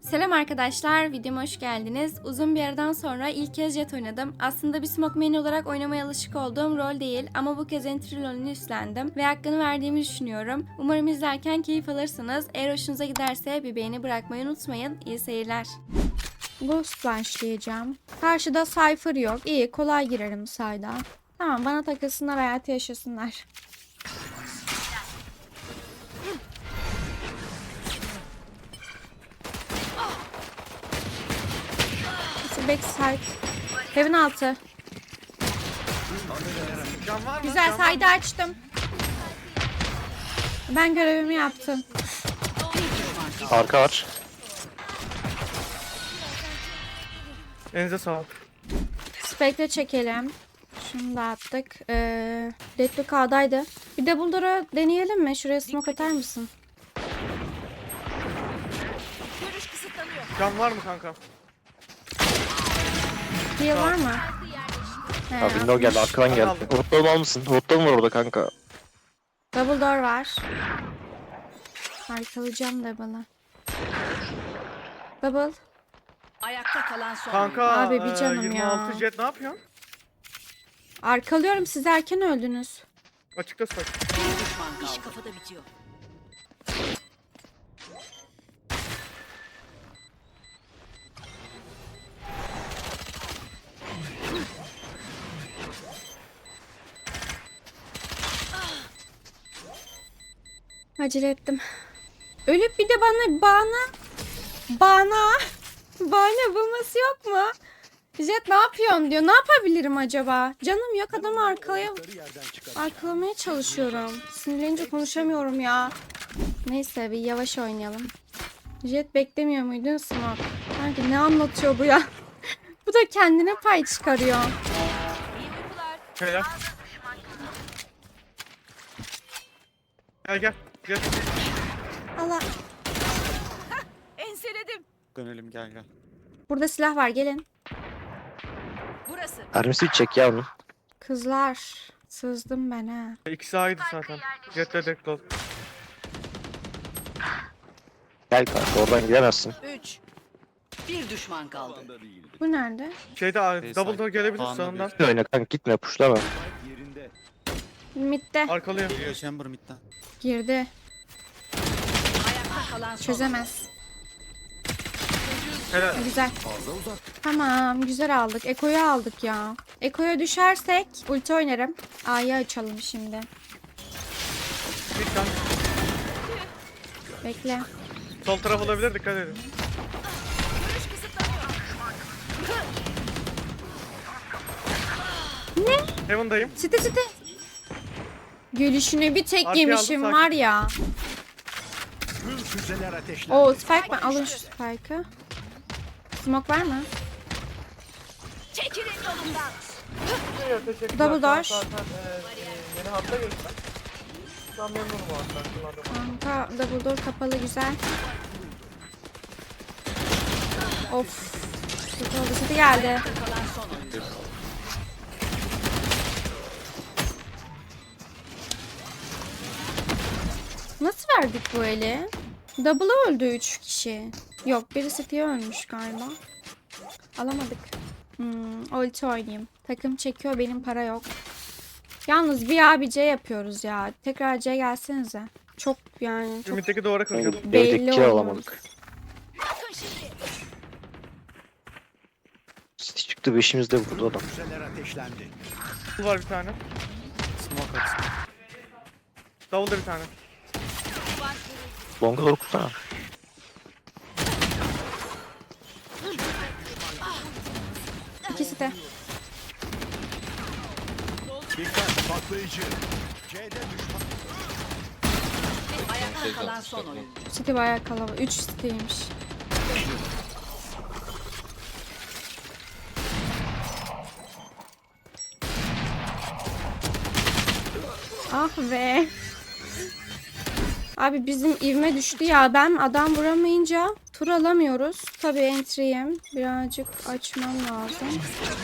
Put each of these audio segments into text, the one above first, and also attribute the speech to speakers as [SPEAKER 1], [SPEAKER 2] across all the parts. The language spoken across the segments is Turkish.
[SPEAKER 1] Selam arkadaşlar, videoma hoş geldiniz. Uzun bir aradan sonra ilk kez Jet oynadım. Aslında bir smoke main olarak oynamaya alışık olduğum rol değil ama bu kez entry rolünü üstlendim ve hakkını verdiğimi düşünüyorum. Umarım izlerken keyif alırsınız. Eğer hoşunuza giderse bir beğeni bırakmayı unutmayın. İyi seyirler. Ghost başlayacağım. Karşıda Cypher yok. İyi, kolay girerim sayda. Tamam, bana takılsınlar, hayatı yaşasınlar. Backside. Heaven altı. Güzel, sayda açtım. Ben görevimi yaptım.
[SPEAKER 2] Arka var.
[SPEAKER 3] Elinize sağlık.
[SPEAKER 1] Spectre çekelim. Şunu da attık. Deadlock A'daydı. Bir de Bulldor'u deneyelim mi? Şuraya smoke atar mısın?
[SPEAKER 3] Can var mı kanka?
[SPEAKER 1] Heal var mı? He,
[SPEAKER 2] Ha, window geldi, arkadan geldi. Umutlu almışsın. Umutlu var orada kanka.
[SPEAKER 1] Double door var. Arkalayacağım double'ı. Double.
[SPEAKER 4] Ayakta kalan son.
[SPEAKER 3] Kanka
[SPEAKER 1] Abi bir canım
[SPEAKER 3] 26
[SPEAKER 1] ya.
[SPEAKER 3] jet ne yapıyorsun?
[SPEAKER 1] Arkalıyorum, siz erken öldünüz.
[SPEAKER 3] Açıkta saç.
[SPEAKER 4] İş kafada bitiyor.
[SPEAKER 1] Acele ettim. Ölüp bir de bahane bulması yok mu? Jet ne yapıyorsun diyor. Ne yapabilirim acaba? Canım yok, adamı arkalamaya çalışıyorum. Sinirlenince konuşamıyorum ya. Neyse, bir yavaş oynayalım. Jet beklemiyor muydun Smoke? Sanki ne anlatıyor bu ya? Bu da kendine pay çıkarıyor.
[SPEAKER 3] Helal. Gel. Jet.
[SPEAKER 1] Allah.
[SPEAKER 4] Enseledim.
[SPEAKER 5] Dönelim gel.
[SPEAKER 1] Burada silah var, gelin.
[SPEAKER 4] Burası.
[SPEAKER 2] Mermisi çek ya onu.
[SPEAKER 1] Kızlar. Sızdım ben ha.
[SPEAKER 3] İkisi A'ydı zaten. Jet'le Deklo.
[SPEAKER 2] Gel kanka, oradan gidemezsin.
[SPEAKER 4] 3. Bir düşman kaldı.
[SPEAKER 1] Bu nerede?
[SPEAKER 3] Şeyde double door gelebilir
[SPEAKER 5] Kaan'la
[SPEAKER 3] sağından.
[SPEAKER 2] Gitme oyna kanka, gitme, pushlama.
[SPEAKER 1] Mid'de.
[SPEAKER 3] Arkalıyor.
[SPEAKER 5] Geliyor Chamber midden.
[SPEAKER 1] Girdi.
[SPEAKER 4] Ayakta kalan son.
[SPEAKER 1] Çözemez.
[SPEAKER 3] Helal.
[SPEAKER 1] Güzel. Tamam, güzel aldık. Eko'yu aldık ya. Eko'ya düşersek ulti oynarım. A'yı açalım şimdi.
[SPEAKER 3] Bir can.
[SPEAKER 1] Bekle.
[SPEAKER 3] Sol taraf olabilir, dikkat edin.
[SPEAKER 1] Ne?
[SPEAKER 3] Heaven'dayım.
[SPEAKER 1] Site. Gülüşünü bir tek
[SPEAKER 3] Arkaya
[SPEAKER 1] yemişim
[SPEAKER 3] aldım,
[SPEAKER 1] var ya. Oo, Spike ben alın şu Spike'ı. Smoke var mı?
[SPEAKER 4] Çekilin yolumdan.
[SPEAKER 3] Teşekkürler.
[SPEAKER 1] Double door.
[SPEAKER 3] Zaten yeni hafta geçti. Şu an memnunum o hatta.
[SPEAKER 1] Kanka double door kapalı, güzel. Of. Kötü oldu. Site geldi.
[SPEAKER 4] Ayakta kalan son oyuncu.
[SPEAKER 1] Nasıl verdik bu eli? Double'a öldü 3 kişi. Yok, biri City'ye ölmüş galiba. Alamadık. Ulti oynayayım. Takım çekiyor, benim para yok. Yalnız bir A bir C yapıyoruz ya. Tekrar C gelsenize. Çok yani çok
[SPEAKER 3] Ümit'teki duvara kıracağım.
[SPEAKER 1] belli
[SPEAKER 2] Dedik ki
[SPEAKER 1] oluyor.
[SPEAKER 2] alamadık. City çıktı, beşimiz de burada adam.
[SPEAKER 3] Double var bir tane.
[SPEAKER 5] Smoke atsın.
[SPEAKER 3] Double'da bir tane.
[SPEAKER 2] Long'a doğru kursana.
[SPEAKER 1] İkisi de.
[SPEAKER 4] Ayakta kalan son oyuncu.
[SPEAKER 1] City bayağı kalabalık. 3 City'ymiş. Ah be. Abi bizim ivme düştü ya. Ben adam vuramayınca tur alamıyoruz. Tabii entry'yim. Birazcık açmam lazım.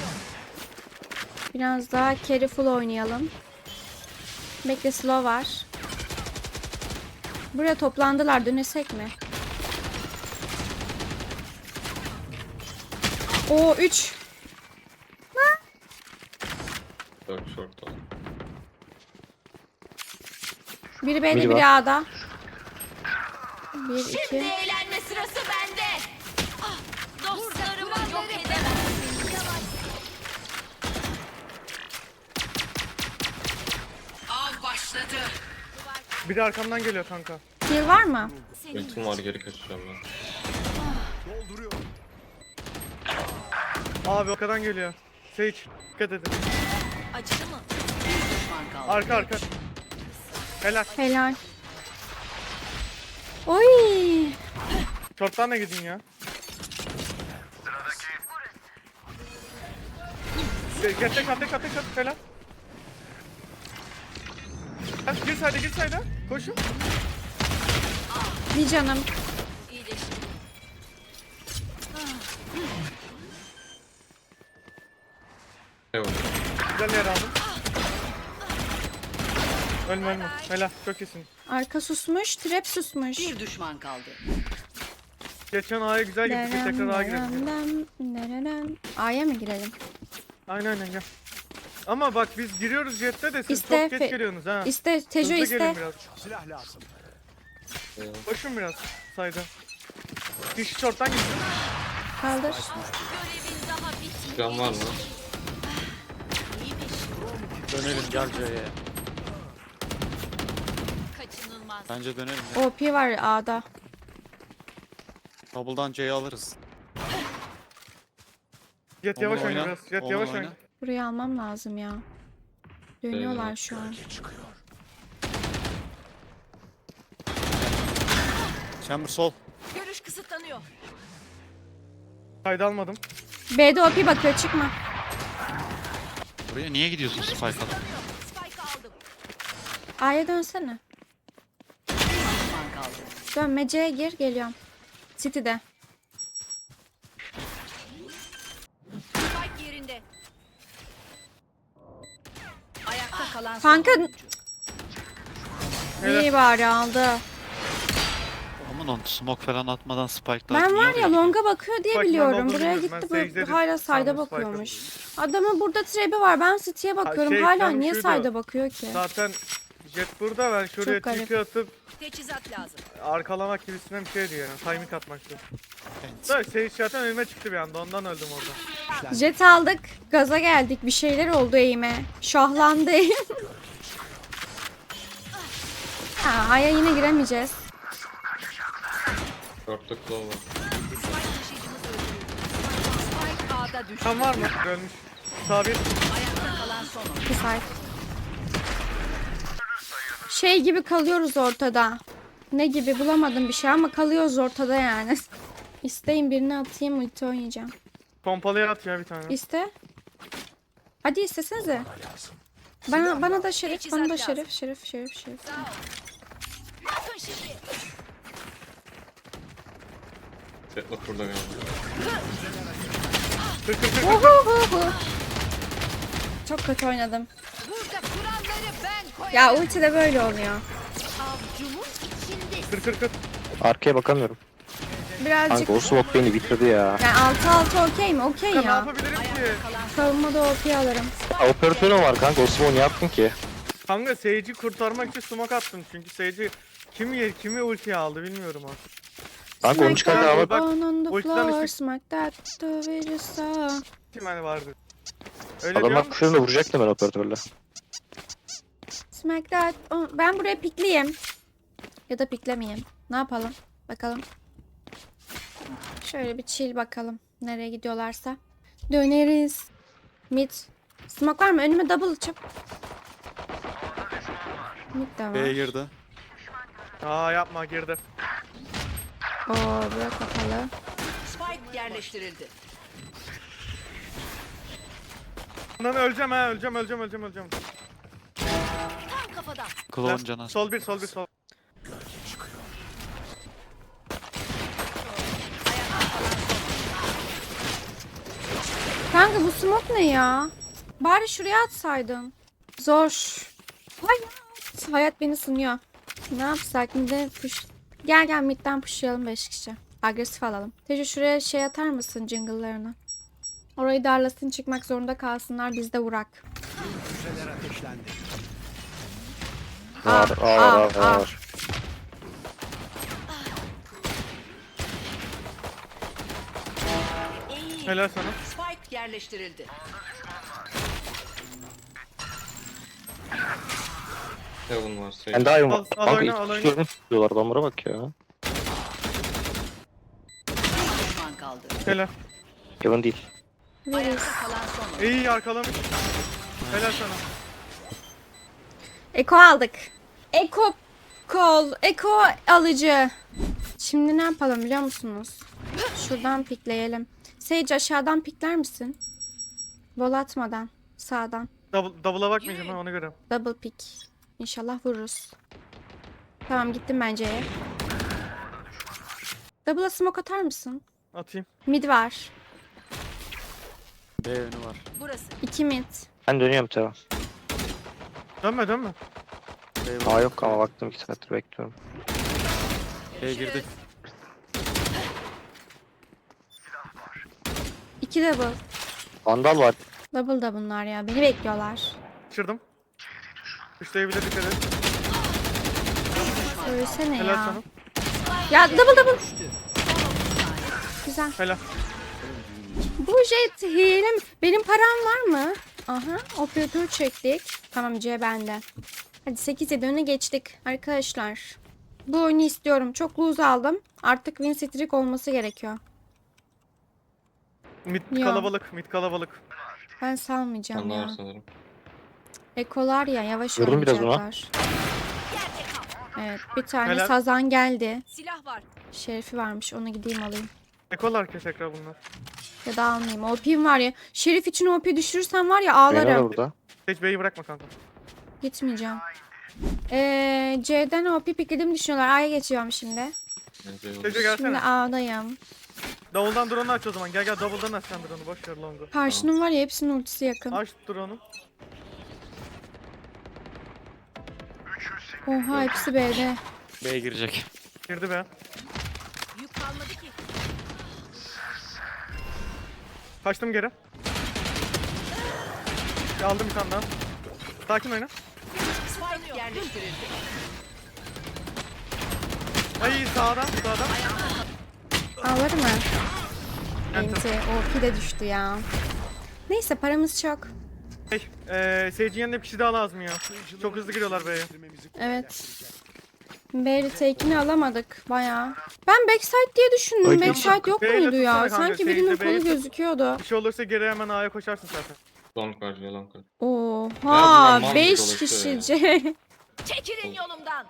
[SPEAKER 1] Biraz daha careful oynayalım. Bekle, slow var. Buraya toplandılar. Dönesek mi? Oo 3.
[SPEAKER 6] Dört short oldu.
[SPEAKER 1] Biri B'de
[SPEAKER 2] Biri
[SPEAKER 1] biri
[SPEAKER 2] var.
[SPEAKER 1] A'da. 1 2.
[SPEAKER 4] Eğlenme sırası bende. Dostlarımı yok edemezsin. Av başladı.
[SPEAKER 3] Biri arkamdan geliyor kanka.
[SPEAKER 1] Kill var mı?
[SPEAKER 6] Ultim var, geri kaçacağım ben.
[SPEAKER 3] Abi arkadan geliyor. Sage dikkat edin.
[SPEAKER 4] Acıdı mı? Bir düşman kaldı.
[SPEAKER 3] Arka. Helal.
[SPEAKER 1] Helal. Oy.
[SPEAKER 3] Short'tan da gidin ya. Kat. Helal. Gir sayda. Koşun.
[SPEAKER 1] Bir canım.
[SPEAKER 4] İyileşti.
[SPEAKER 6] Ne oldu?
[SPEAKER 3] Güzel yer aldım. Ölme. Helal. Çok iyisin.
[SPEAKER 1] Arka susmuş, trap susmuş.
[SPEAKER 4] Bir düşman kaldı.
[SPEAKER 3] Geçen A'ya güzel gittik. Tekrar A'ya girelim.
[SPEAKER 1] A'ya mı girelim?
[SPEAKER 3] Aynen gel. Ama bak biz giriyoruz jette de siz
[SPEAKER 1] İste,
[SPEAKER 3] çok geç geliyorsunuz ha.
[SPEAKER 1] İste, Tejo
[SPEAKER 3] Hızlı
[SPEAKER 1] iste.
[SPEAKER 3] gelin biraz. Koşun biraz sayda. Kişi short'tan gitsin.
[SPEAKER 1] Kaldır.
[SPEAKER 4] Görevin daha bitmedi.
[SPEAKER 6] Can var mı?
[SPEAKER 5] Dönelim gel C'ye.
[SPEAKER 4] Kaçınılmaz.
[SPEAKER 5] Bence dönelim ya.
[SPEAKER 1] OP var A'da.
[SPEAKER 5] Double'dan C'yi alırız.
[SPEAKER 3] Jet
[SPEAKER 5] Onu
[SPEAKER 3] yavaş oyna
[SPEAKER 5] oyna,
[SPEAKER 3] biraz. Jet
[SPEAKER 5] onu
[SPEAKER 3] yavaş
[SPEAKER 5] oyna.
[SPEAKER 3] oyna.
[SPEAKER 1] Burayı almam lazım ya. Dönüyorlar şu an.
[SPEAKER 5] Chamber sol.
[SPEAKER 4] Görüş kısıtlanıyor.
[SPEAKER 3] Sayda almadım.
[SPEAKER 1] B'de OP bakıyor, çıkma.
[SPEAKER 5] Buraya niye gidiyorsun Spike'a?
[SPEAKER 4] Spike aldım.
[SPEAKER 1] A'ya dönsene.
[SPEAKER 4] Bir düşman kaldı.
[SPEAKER 1] Dönme, C'ye gir, geliyorum. City'de.
[SPEAKER 4] Spike yerinde. Ayakta kalan son
[SPEAKER 1] Kanka
[SPEAKER 4] oyuncu.
[SPEAKER 1] iyi bari aldı.
[SPEAKER 5] Aman on smoke falan atmadan Spike'lar
[SPEAKER 1] Ben
[SPEAKER 5] niye
[SPEAKER 1] var
[SPEAKER 5] oraya
[SPEAKER 1] ya
[SPEAKER 5] gidiyor?
[SPEAKER 1] longa bakıyor diye
[SPEAKER 3] Bak, ben
[SPEAKER 1] biliyorum.
[SPEAKER 3] olduğunu
[SPEAKER 1] Buraya
[SPEAKER 3] biliyorum.
[SPEAKER 1] gitti,
[SPEAKER 3] Ben
[SPEAKER 1] böyle
[SPEAKER 3] secde'de
[SPEAKER 1] hala sayda
[SPEAKER 3] sandım Spike'ı.
[SPEAKER 1] bakıyormuş. Adamın burada trebi var. Ben City'ye bakıyorum. Hala
[SPEAKER 3] tam
[SPEAKER 1] niye
[SPEAKER 3] şuydu.
[SPEAKER 1] sayda bakıyor ki?
[SPEAKER 3] Zaten jet burada, ben şuraya
[SPEAKER 1] Çok garip.
[SPEAKER 3] TP atıp
[SPEAKER 4] Teçhizat lazım.
[SPEAKER 3] arkalamak gibisinden bir şeydi yani. Timing atmaktı.
[SPEAKER 5] Evet.
[SPEAKER 3] Da Sage zaten önüme çıktı bir anda, ondan öldüm orada.
[SPEAKER 1] Jet aldık. Gaza geldik. Bir şeyler oldu eğime. Şahlandı eğim. Ha, A'ya yine giremeyeceğiz.
[SPEAKER 6] Short'ta claw var.
[SPEAKER 4] Spike A'da düştü.
[SPEAKER 3] Tam var mı? Ölmüş. Sabit.
[SPEAKER 4] Ayakta kalan son oyuncu.
[SPEAKER 1] Bir saat. Şey gibi kalıyoruz ortada. Ne gibi bulamadım bir şey ama kalıyoruz ortada yani. İsteyin birini atayım, ulti oynayacağım.
[SPEAKER 3] Pompalıya at ya bir tane.
[SPEAKER 1] İste. Hadi istesenize. Bana da şerif, bana da şerif.
[SPEAKER 4] Bakın şimdi.
[SPEAKER 6] Jet bak burada galiba.
[SPEAKER 1] Uhuhuhu. Çok kötü oynadım.
[SPEAKER 4] Burada kuralları ben koyarım.
[SPEAKER 1] Ya ulti de böyle oluyor.
[SPEAKER 4] Avcumun içinde.
[SPEAKER 3] Kır.
[SPEAKER 2] Arkaya bakamıyorum.
[SPEAKER 1] Birazcık
[SPEAKER 2] Kanka o smoke beni bitirdi ya.
[SPEAKER 1] yani 6-6 okey mi? Okey
[SPEAKER 3] Ya ne
[SPEAKER 1] ya.
[SPEAKER 3] yapabilirim ki?
[SPEAKER 1] Savunmada OP alırım.
[SPEAKER 2] Operatörüm var kanka, o smoke ne yaptın ki?
[SPEAKER 3] Kanka Sage'i kurtarmak için smoke attım çünkü Sage'i kimi ultiye aldı bilmiyorum artık.
[SPEAKER 2] Kanka onu çıkarken
[SPEAKER 3] Smack
[SPEAKER 2] ama
[SPEAKER 3] bak,
[SPEAKER 1] On the
[SPEAKER 3] ultiden
[SPEAKER 1] floor,
[SPEAKER 3] işte-
[SPEAKER 1] smack that to the sun.
[SPEAKER 3] Kim hani vardı? Öyle
[SPEAKER 2] adamlar
[SPEAKER 3] diyorum.
[SPEAKER 2] kuşlarını vuracaktım ben operatörle.
[SPEAKER 1] Smack that. Ben buraya pikleyeyim. Ya da piklemeyeyim. Ne yapalım? Bakalım. Şöyle bir chill bakalım. Nereye gidiyorlarsa. Döneriz. Mid. Smoke var mı? Önüme double çık. Mid de
[SPEAKER 5] B'ye
[SPEAKER 1] var.
[SPEAKER 5] girdi.
[SPEAKER 3] Aa yapma, girdi.
[SPEAKER 1] Oo, bura kapalı.
[SPEAKER 4] Spike yerleştirildi.
[SPEAKER 3] Bundan öleceğim ha, öleceğim.
[SPEAKER 4] Tam kafadan.
[SPEAKER 5] Clone cana.
[SPEAKER 3] Sol.
[SPEAKER 1] Kanka bu smoke ne ya? Bari şuraya atsaydın. Zor. Hayat beni sınıyor. Ne yapsak? Mid'e push. Gel midden pushlayalım 5 kişi. Agresif alalım. Tejo şuraya şey atar mısın jungle'larını? Orayı darlasın, çıkmak zorunda kalsınlar, biz de vurak.
[SPEAKER 2] Var var.
[SPEAKER 3] Helal sana.
[SPEAKER 4] Spike yerleştirildi.
[SPEAKER 6] Heaven var. Sage.
[SPEAKER 2] Ben daha iyi
[SPEAKER 3] Al,
[SPEAKER 2] var.
[SPEAKER 3] al
[SPEAKER 2] Kanka
[SPEAKER 3] oyna,
[SPEAKER 2] iki
[SPEAKER 3] al
[SPEAKER 2] kişi
[SPEAKER 3] oyna.
[SPEAKER 2] görmüş diyorlar. Adamlara bak ya.
[SPEAKER 4] Bir düşman kaldı.
[SPEAKER 3] Helal.
[SPEAKER 2] Yalan değil.
[SPEAKER 1] Veririz.
[SPEAKER 4] Kalan son.
[SPEAKER 3] İyi arkalamış. Helal sana.
[SPEAKER 1] Eko aldık. Eko kol. Eko alıcı. Şimdi ne yapalım biliyor musunuz? Şuradan pikleyelim. Sage aşağıdan pikler misin? Vol atmadan. Sağdan.
[SPEAKER 3] Double'a bakmayacağım ha ona göre.
[SPEAKER 1] Double pick. İnşallah vururuz. Tamam gittim bence. Double'a smoke atar mısın?
[SPEAKER 3] Atayım.
[SPEAKER 1] Mid var.
[SPEAKER 5] B önü var.
[SPEAKER 4] Burası.
[SPEAKER 1] 2 mid.
[SPEAKER 2] Ben dönüyorum tamam.
[SPEAKER 3] Dönme dönme.
[SPEAKER 5] B var.
[SPEAKER 2] Aa yok ama baktım 2 saattir bekliyorum.
[SPEAKER 5] B girdi.
[SPEAKER 1] 2 double.
[SPEAKER 2] Vandal var.
[SPEAKER 1] Double da bunlar ya. Beni bekliyorlar.
[SPEAKER 3] Kaçırdım. Üçleyebilir dikkat et.
[SPEAKER 1] Söylesene
[SPEAKER 3] Helal
[SPEAKER 1] ya.
[SPEAKER 3] sana.
[SPEAKER 1] Ya double. Güzel.
[SPEAKER 3] Helal.
[SPEAKER 1] Bu jet hile mi? Benim param var mı? Aha. Operatör çektik. Tamam C bende. Hadi 8-7 öne geçtik. Arkadaşlar. Bu oyunu istiyorum. Çok lose aldım. Artık win streak olması gerekiyor.
[SPEAKER 3] Mid
[SPEAKER 1] Ya.
[SPEAKER 3] kalabalık. Mid kalabalık.
[SPEAKER 1] Ben salmayacağım
[SPEAKER 6] Bende var
[SPEAKER 1] ya.
[SPEAKER 6] sanırım.
[SPEAKER 1] Ekolar ya yavaş
[SPEAKER 2] Vurdum biraz ona.
[SPEAKER 1] oynayacaklar. Evet bir tane
[SPEAKER 3] Helal.
[SPEAKER 1] sazan geldi.
[SPEAKER 4] Silah var.
[SPEAKER 1] Şerifi varmış onu gideyim alayım.
[SPEAKER 3] Ekolar ki tekrar bunlar.
[SPEAKER 1] Ya da almayayım. OP'm var ya. Şerif için OP düşürürsem var ya
[SPEAKER 2] Beni var
[SPEAKER 1] ağlarım.
[SPEAKER 2] burada.
[SPEAKER 3] Hiç B'yi bırakma kanka.
[SPEAKER 1] Gitmeyeceğim. C'den OP piklediğimi düşünüyorlar. A'ya geçiyorum şimdi.
[SPEAKER 6] Bence yok.
[SPEAKER 3] Sage
[SPEAKER 1] Şimdi
[SPEAKER 3] gelsene.
[SPEAKER 1] A'dayım.
[SPEAKER 3] Double'dan drone'u aç o zaman. Gel double'dan aç sen drone'u. Boş ver long'u.
[SPEAKER 1] Karşının var ya hepsinin ultisi yakın.
[SPEAKER 3] Aç drone'u.
[SPEAKER 1] Oha hepsi B'de.
[SPEAKER 5] B girecek.
[SPEAKER 3] Girdi be.
[SPEAKER 4] Yük kalmadı ki.
[SPEAKER 3] Kaçtım geri. Aldım bir tane daha. Sakin oyna.
[SPEAKER 4] Spike yerleştirildi.
[SPEAKER 3] Ay sağdan.
[SPEAKER 1] Ağlar mı?
[SPEAKER 3] Enter.
[SPEAKER 1] Enti. OP de düştü ya. Neyse paramız çok.
[SPEAKER 3] Sage'in yanında bir kişi daha lazım ya. Çok hızlı giriyorlar B'ye.
[SPEAKER 1] Evet. B retake'ini alamadık bayağı. Ben backside diye düşündüm.
[SPEAKER 2] Ay,
[SPEAKER 1] Backside yok
[SPEAKER 3] B'yle
[SPEAKER 1] muydu ya?
[SPEAKER 3] tutsana kanka,
[SPEAKER 1] Sanki birinin
[SPEAKER 3] Sage'de B'yi
[SPEAKER 1] kolu
[SPEAKER 3] tut.
[SPEAKER 1] gözüküyordu.
[SPEAKER 3] Bir şey olursa geri hemen A'ya koşarsın zaten.
[SPEAKER 6] Long var. Long var.
[SPEAKER 1] Oha
[SPEAKER 6] bunlar mal
[SPEAKER 1] 5
[SPEAKER 6] gibi dolaşıyor
[SPEAKER 1] kişice.
[SPEAKER 4] Çekilin yolumdan.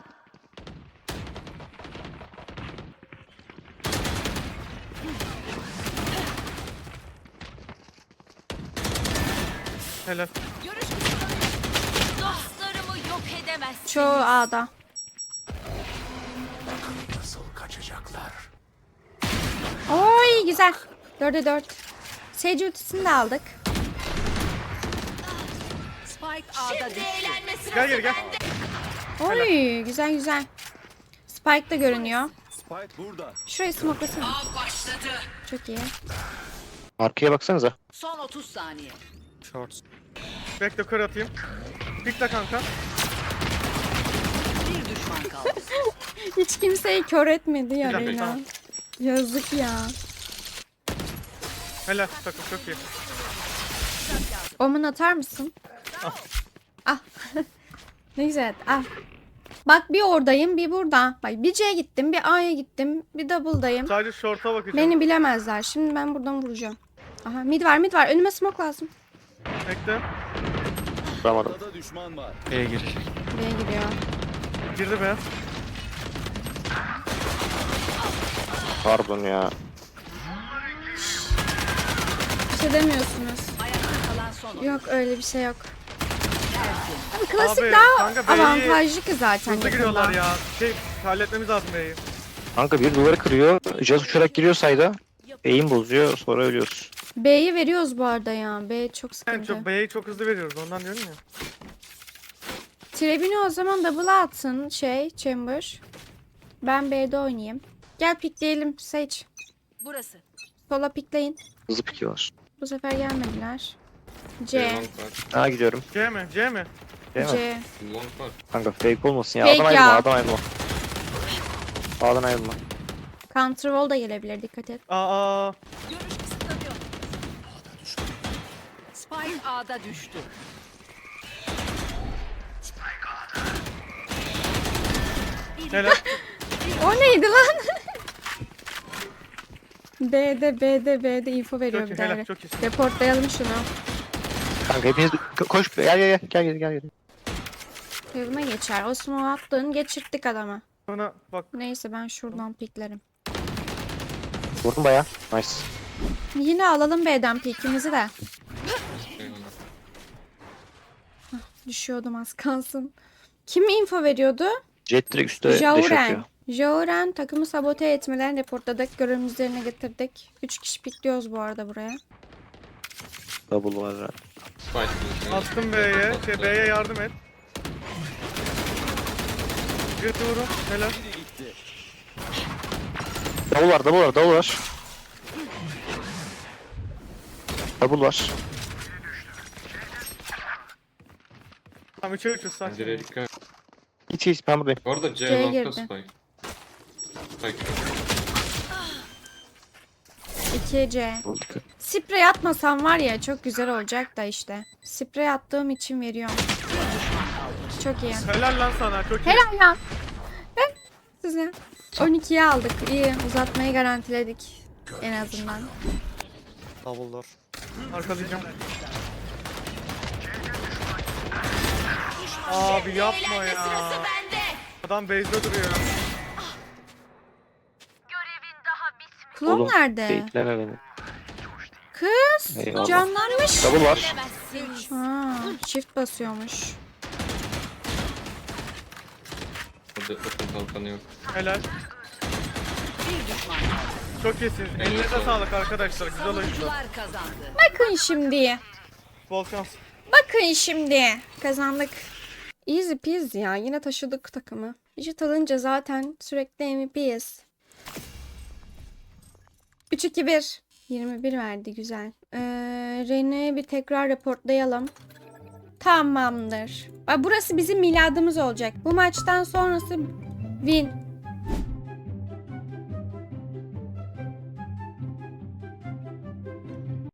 [SPEAKER 3] Helal.
[SPEAKER 4] Görüş kısıtlanıyor. Dostlarımı yok edemezsin.
[SPEAKER 1] Çoğu A'da. Oy güzel. 4'e 4. Sage ultisini de aldık.
[SPEAKER 4] Spike A'da düştü. Eğlenme sırası
[SPEAKER 3] Gel geri gel.
[SPEAKER 1] Oy güzel güzel. Spike da görünüyor.
[SPEAKER 7] Spike burada.
[SPEAKER 1] Şurayı smokelasana.
[SPEAKER 4] başladı.
[SPEAKER 1] Çok iyi.
[SPEAKER 2] Arkaya baksanıza.
[SPEAKER 4] Son 30 saniye.
[SPEAKER 5] Short.
[SPEAKER 3] Bekle kör atayım. Pikle kanka.
[SPEAKER 4] Bir düşman kaldı.
[SPEAKER 1] Hiç kimseyi kör etmedi ya
[SPEAKER 3] Güzel,
[SPEAKER 1] Reyna.
[SPEAKER 3] tamam.
[SPEAKER 1] Yazık ya.
[SPEAKER 3] Helal takım çok iyi.
[SPEAKER 1] Omun atar mısın? Ah. Ne güzel. Ah. Bak bir oradayım bir burada. Bak bir C'ye gittim bir A'ya gittim bir double'dayım.
[SPEAKER 3] Sadece short'a bakacağım.
[SPEAKER 1] Beni bilemezler. Şimdi ben buradan vuracağım. Aha mid var mid var. Önüme smoke lazım.
[SPEAKER 3] Bekle.
[SPEAKER 2] Vuramadım.
[SPEAKER 7] Burada düşman var.
[SPEAKER 5] B girecek.
[SPEAKER 1] Buraya gidiyor.
[SPEAKER 3] Girdi be.
[SPEAKER 2] Pardon ya.
[SPEAKER 1] Bir şey demiyorsunuz.
[SPEAKER 4] Ayakta kalan son oyun.
[SPEAKER 1] Yok öyle bir şey yok. Abi klasik
[SPEAKER 3] Abi,
[SPEAKER 1] daha
[SPEAKER 3] kanka B'yi
[SPEAKER 1] avantajlı ki zaten
[SPEAKER 3] Hızlı giriyorlar
[SPEAKER 1] yakında.
[SPEAKER 3] ya. Halletmemiz lazım B'yi.
[SPEAKER 2] Kanka bir duvarı kırıyor. Jazz uçarak giriyor sayda. Eğim bozuyor sonra ölüyoruz.
[SPEAKER 1] B'yi veriyoruz bu arada ya. B çok
[SPEAKER 3] Yani
[SPEAKER 1] sıkıntı.
[SPEAKER 3] çok B'yi çok hızlı veriyoruz ondan diyorum ya.
[SPEAKER 1] Trebini o zaman double'a atsın Chamber. Ben B'de oynayayım. Gel pikleyelim Sage.
[SPEAKER 4] Burası.
[SPEAKER 1] Sola pikleyin.
[SPEAKER 2] Hızlı pikiyorlar.
[SPEAKER 1] Bu sefer gelmediler.
[SPEAKER 6] B
[SPEAKER 1] C.
[SPEAKER 6] long var.
[SPEAKER 2] Ha gidiyorum.
[SPEAKER 3] C mi? C mi?
[SPEAKER 2] Değil mi?
[SPEAKER 1] C.
[SPEAKER 6] Long var.
[SPEAKER 2] Kanka fake olmasın ya.
[SPEAKER 1] Fake
[SPEAKER 2] A'dan
[SPEAKER 1] ya.
[SPEAKER 2] ayrılma, A'dan ayrılma. A'dan ayrılma.
[SPEAKER 1] Counter wall da gelebilir, dikkat et.
[SPEAKER 3] Aa.
[SPEAKER 4] Spike A'da düştü.
[SPEAKER 3] Helal.
[SPEAKER 1] O neydi lan? B'de info veriyor
[SPEAKER 3] Çok iyi,
[SPEAKER 1] bir
[SPEAKER 3] helal,
[SPEAKER 1] daha.
[SPEAKER 3] çok iyisin.
[SPEAKER 1] Reportlayalım şunu.
[SPEAKER 2] Kanka hepiniz koş. Gel.
[SPEAKER 1] Yoluna geçer. O smoke attın, geçirttik adama.
[SPEAKER 3] Sonra bak
[SPEAKER 1] Neyse ben şuradan piklerim.
[SPEAKER 2] Vurdum baya. Nice.
[SPEAKER 1] Yine alalım B'den pikimizi de.
[SPEAKER 6] Eyvallah.
[SPEAKER 1] Düşüyordum az kalsın. Kim info veriyordu?
[SPEAKER 2] Jet direkt üstte dash atıyor.
[SPEAKER 1] Jauren. Jauren takımı sabote etmelerini reportladık. Görevimiz üzerine getirdik. 3 kişi pikliyoruz bu arada buraya.
[SPEAKER 2] Double var. ha.
[SPEAKER 6] Spike.
[SPEAKER 3] attım B'ye. B'ye yardım et. Jet'i vurun. Helal.
[SPEAKER 2] Double var. Double var.
[SPEAKER 3] Tamam 3'e 3'üz sakin.
[SPEAKER 6] Pencereye dikkat.
[SPEAKER 2] Hiç ben buradayım.
[SPEAKER 6] Bu arada C
[SPEAKER 1] C'ye
[SPEAKER 6] long'da
[SPEAKER 1] girdi.
[SPEAKER 6] Spike. Spike.
[SPEAKER 1] 2C. Sprey atmasam var ya çok güzel olacak da işte. Sprey attığım için veriyorum. Çok iyi.
[SPEAKER 3] Helal lan sana. Çok iyi.
[SPEAKER 1] Helal ya. Ben size. 12'ye aldık. İyi. Uzatmayı garantiledik. En azından.
[SPEAKER 5] Double door.
[SPEAKER 3] Arkalayacağım. Abi yapma ya. Adam base'de duruyor.
[SPEAKER 1] Klon
[SPEAKER 2] Oğlum,
[SPEAKER 1] nerede?
[SPEAKER 2] Bekleme beni.
[SPEAKER 1] Kız.
[SPEAKER 2] Eyvallah.
[SPEAKER 1] Canlanmış.
[SPEAKER 2] Double var.
[SPEAKER 1] Ha, shift basıyormuş.
[SPEAKER 6] Burada okul kalkanı yok.
[SPEAKER 3] Helal.
[SPEAKER 4] Bir düşman kaldı.
[SPEAKER 3] Çok iyisiniz. Elinize sağlık arkadaşlar. Güzel oyundu.
[SPEAKER 4] Savunucular kazandı.
[SPEAKER 1] Bakın şimdi.
[SPEAKER 3] Bol şans.
[SPEAKER 1] Bakın şimdi. Kazandık. Easy peasy ya. Yine taşıdık takımı. Vücut alınca zaten sürekli MVP'yiz. 3-2-1. 21 verdi güzel. Rene'yi bir tekrar reportlayalım. Tamamdır. Bak burası bizim miladımız olacak. Bu maçtan sonrası win.